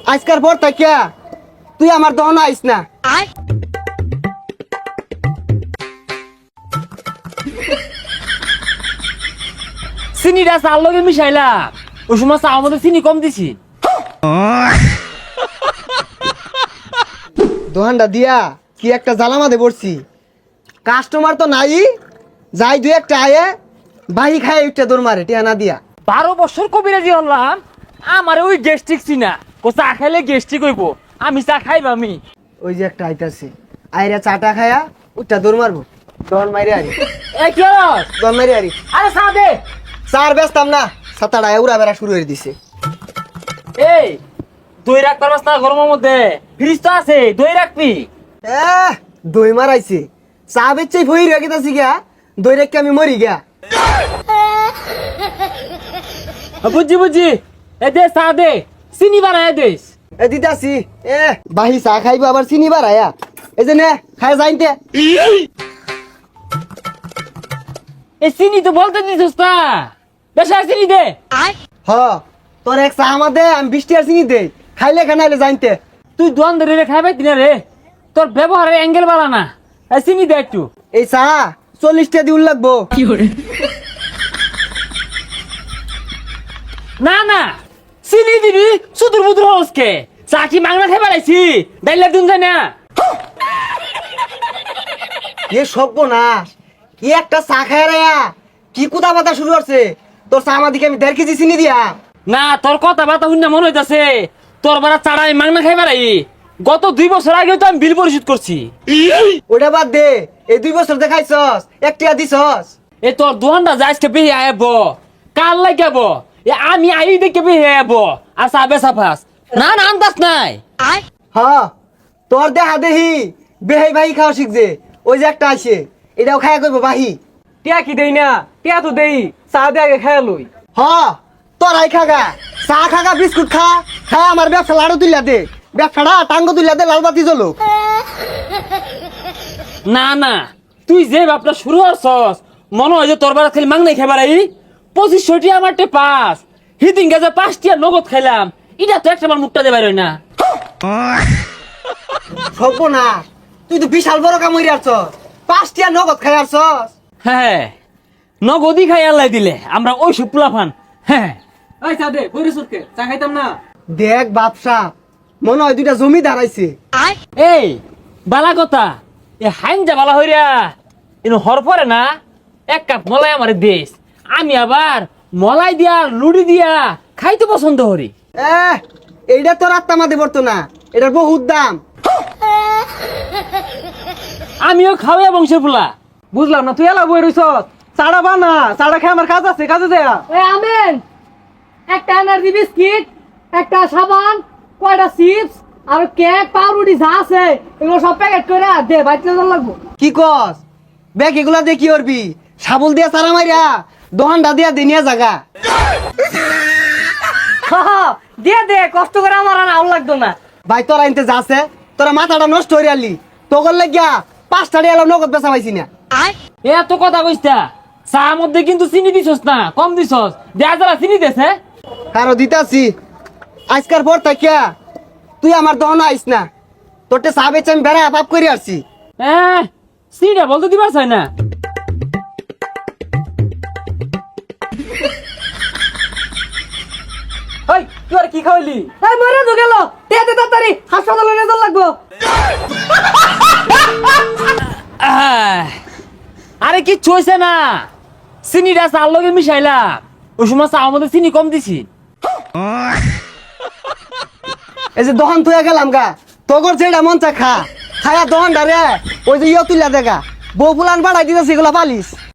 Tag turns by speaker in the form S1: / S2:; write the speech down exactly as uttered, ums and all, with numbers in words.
S1: আজকার পর থেকে তুই আমার দহন আইস না।
S2: চিনিটা চার লগে মিশাইলা ওই সময় চা মধ্যে চিনি কম দিছি।
S1: দোহানটা দিয়া কি একটা জ্বালামাতে পড়ছি, কাস্টমার তো নাই, যাই দুই একটা আয়ে বাহি খায় একটা দৌড় মারে টিয়া না দিয়া।
S2: বারো বছর কবিরাজি হলাম, আমার ওই গ্যাস্ট্রিক চিনা ও চা খাইলে গ্যাস্ট্রিক হইব, আমি চা খাইব আমি।
S1: ওই যে একটা আইতাছে আইরা চাটা খায়া ওটা দৌড় মারবো, দহন মারি আরি
S2: এই কি হলো?
S1: দহন মারি আরি।
S2: আরে চা দে।
S1: চার ব্যস্তাম না, সাতাটা উড়া বেড়া শুরু করে দিছে।
S2: এই দই রাখতে পারবাস না গরমের মধ্যে? ফ্রিজ তো আছে, দই রাখবি।
S1: এহ, দই মারাইছে, চা বেচে ভই রেখে তাছি গা, দই রেখে আমি মরি গা।
S2: বুঝছি বুঝছি, এ দে চা দে, চিনি বানায় দেস।
S1: এ দিতাছি, এ বাহি চা খাইবো আবার চিনি বাড়ায়া, এই যে নে খাই যাইতে।
S2: এই চিনি তো বলতে দিছিস না, বেশ আর চিনি দে।
S1: হ তোর এক চা আমাদে, আমি বৃষ্টি আর চিনি দেই, খাইলে খানাইলে জানতে।
S2: তুই দোয়ান ধরে রে খাইবে দিনা রে, তোর ব্যবহারের অ্যাঙ্গেল বাড়া না। এই চিনি দে একটু।
S1: এই চা চল্লিশটা দিউল লাগবো।
S2: না না চিনি দিবি, সুদূর বুদুর হসকে চা কি মাংনা খাই বেড়াইছি, ডাইলা দিন যায় না।
S1: এ সর্বনাশ, কি একটা চা খায় রে, কি কুদা বাতা শুরু করছে। তোর চা আমার দিকে আমি দেড় কেজি চিনি দিয়া।
S2: না তোর কথা বার্তা শুনে মনে হইতাছে তোর বারা চাড়াই মাংনা খাই বেড়াই। গত দুই বছর আগে তো আমি বিল পরিশোধ করছি।
S1: ওটা বাদ দে, এই দুই বছর দেখাইছস, একটিয়া দিছস।
S2: এ তোর দোকানটা যাইসকে বেহে আইব, কাল লাগাব, এ আমি আই দেখে বেহে আইব আর চা বেচা ফাস। না না আন্দাজ নাই।
S1: হ তোর দেহা দেহি বেহাই ভাই খাওয়া শিখছে, ওই যে একটা আছে এটাও খায়া করবো বাহি।
S2: টিয়া কি দেই না, টিয়া তো দেই, চা দে আগে খাই লই।
S1: হ তোরাই খাগা, চা খাগা, বিস্কুট খা, খায় আমার ব্যবসা লাড়ু তুলিয়া দে, ব্যবসাটা টাঙ্গ তুলিয়া দে, লাল বাতি জ্বলো।
S2: না না তুই যে বাপটা শুরু হচ্ছস, মনে হয় যে তোর বারা খালি মাংনাই খাইবার আই। পঁচিশশোটি আমার টে পাস, হিদিন গেছে পাঁচটিয়া নগদ খাইলাম, এটা তো একটা আমার মুখটা দেবার হয় না।
S1: সব না, তুই তো বিশাল বড় কাম হইরে আসছস, পাঁচটিয়া নগদ খাই আসছস।
S2: হ্যাঁ নগদই খাই আল্লাহ দিলে আমরা ওই সুপুলা ফান। হ্যাঁ ওই চা দে, বইরে সুরকে চা খাইতাম না।
S1: দেখ বাপসা, মনে হয় দুইটা জমি দাঁড়াইছে।
S2: এই বালা কথা, এ হাইনজা বালা হইরা এনে হর পরে না, এক কাপ মলাই আমার দেশ, আমি আবার মলাই দিয়া লুড়ি দিয়া খাইতে পছন্দ করি।
S1: এ এইটা তোর আত্মা মাদে পড়তো না, এটার বহুত দাম।
S2: আমিও খাওয়া বংশের ফুলা।
S3: বুঝলাম না, তুই এলা বই রইছ, চাড়া বানা, চাড়া খাই আমার কাজ আছে, কাজে দেয়া।
S4: এই আমেন, একটা এনার্জি বিস্কিট, একটা সাবান, কয়টা চিপস আর কেক পাউরুটি যা আছে এগুলো সব প্যাকেট করে দে, বাইতে লাগবো।
S1: কি কস ব্যাগ এগুলা দিয়ে কি করবি? সাবল দিয়া সারা মাইরা দোহানটা দিয়া দিনিয়া জাগা।
S4: দিয়ে দে, কষ্ট করে আমার আর আউল লাগতো না।
S1: ভাই তোরা আনতে যাচ্ছে, তোরা মাথাটা নষ্ট হয়ে আলি, তোর লাগিয়া পাঁচটা দিয়ে এলাম নগদ বেচা পাইছি না।
S2: এ এত কথা কইস্তা, চা মধ্যে কিন্তু চিনি দিছস না, কম দিছস, দেয়া যারা চিনি দেছে।
S1: কারো দিতাছি, আজকার পর থাকিয়া তুই আমার দহন আইস না, তোরটে চা বেচে আমি বেড়া পাপ করে আসছি।
S2: হ্যাঁ চিনিটা বলতে দিবার চাই না।
S3: এই তুই আর কি খাওয়াইলি?
S4: এই মরে তো গেল, দে দে তাড়াতাড়ি হাসপাতালে নিয়ে যাওয়া লাগবো।
S2: আহ, আরে কি চইছে না, চিনিটা চার লগে মিশাইলা ওই সময় চা মধ্যে চিনি কম দিছি।
S1: এই যে দহন তুই গেলাম গা, তোর যেটা মন চা খা, খায়া দহনটা রে ওই যে ইয়ে তুলিয়া দেখা, বউ ফুলান বাড়াই দিতেছি এগুলা পালিস।